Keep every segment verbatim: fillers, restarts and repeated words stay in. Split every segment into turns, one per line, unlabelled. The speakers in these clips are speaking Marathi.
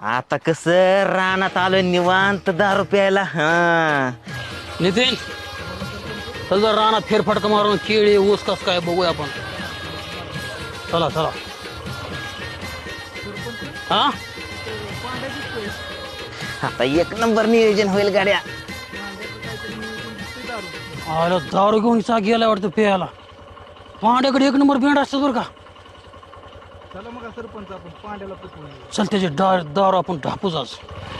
आता कस रानात आलोय निवांत दारू प्यायला. हा
नितीन चल जर रानात फेरफटका मारून केळी ऊस कस काय बघूया आपण. चला चला. हा
आता एक नंबर नियोजन होईल गाड्या.
अरे दारू घेऊन चा गेला वाटतं प्यायला. पांड्याकडे एक नंबर बेंड असतात बरं का.
चला मग सरपंच आपण पांड्याला पटवून
चल त्याचे दार दारू आपण ढापूच आज.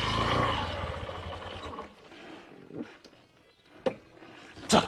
चल.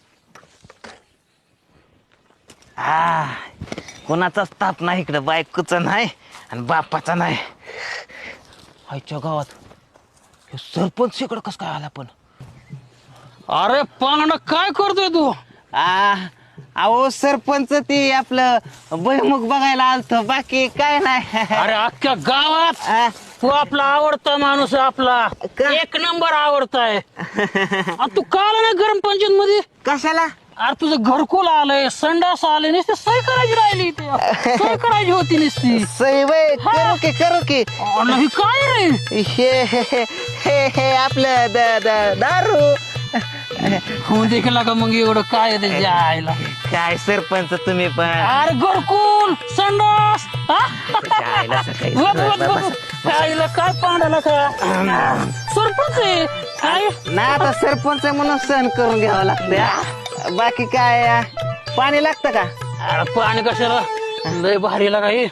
हा कोणाचाच ताप नाही इकडं, बायकोचा नाही आणि बापाचा नाही. आईच्या गावात हे सरपंच इकडं कस काय आला पण.
अरे पांडा काय करतोय तू.
आ अहो सरपंच ते आपलं भुईमुग बघायला आलत, बाकी काय नाही.
अरे अख्ख्या गावात
आ,
तू आपला आवडता माणूस आहे आपला.
का?
एक नंबर आवडताय. आणि तू का आला नाही गरम पंचायत मध्ये.
कशाला?
अरे तुझं घरकुल आलंय, संडास आले नुसते सही करायची राहिली इथे. सही करायची होती नुसती.
सई वय करू की करू की.
नाही काय रे
हे हे हे हे हे आपलं द- द- दारू.
होऊन देखील का मग एवढं काय आहे त्याच्या आईला.
काय सरपंच तुम्ही पण.
अरे घरकुल संडास हा?
त्याच्या आईला सकाळी
बघ, बघ, बघ. आईला काय पांडाला का सरपंच आहे काय.
ना आता सरपंच म्हणून सहन करून घ्यावं लागतं. बाकी काय आ, पाणी लागतं का?
अरे पाणी कशाला लय भारीला काही.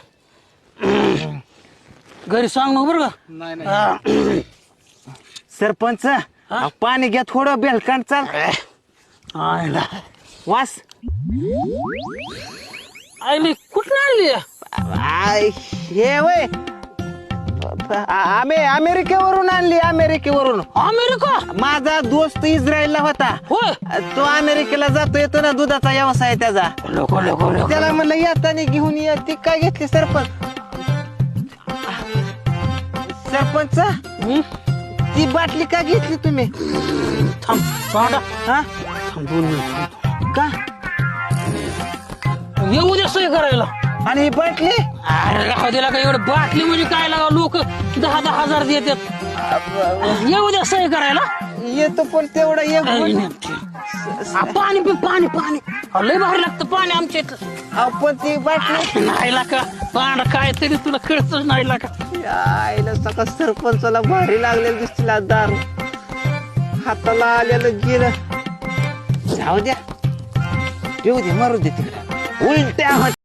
घरी सांग ना बरं का.
नाही नाही
हा.
सरपंच पाणी घ्या थोडं बेलकांड चाल.
आईला
वास
आईली कुठं आणली
आय, हे वय आम्ही अमेरिकेवरून आणली. अमेरिकेवरून
अमेरिका.
माझा दोस्त इस्रायलला होता.
होय
तो अमेरिकेला जातो येतो ना, दुधाचा व्यवसाय त्याचा.
लोक लोक लोक
त्याला म्हणलं येताना घेऊन ये. ती काय घेतली सरपंच. सरपंच ती बाटली का घेतली तुम्ही?
थांब पांडा
हा
थांब दोन मिनिट.
का?
येऊ दे सही करायला.
आणि ही बाटली
अरे राहू दिला का एवढं बाटली म्हणजे काय लागा लोक दहा दहा हजार देतात. येऊ दे सही करायला.
येतो पण तेवढं एक
आई
पण-
नेमकी. हा, पाणी पी पाणी पाणी. अहो, लय भारी लागतं पाणी आमच्या इथं.
आपण ती बाटली
नाही लाका पांडा काय तरी तुला कळतच नाही लाका.
आईला सका सरपंचाला भारी लागलेलं दिसतील दारू. हाताला आलेलं गेलं. जाऊ द्या, येऊ दे, मारू दे तिकडे. उलट्या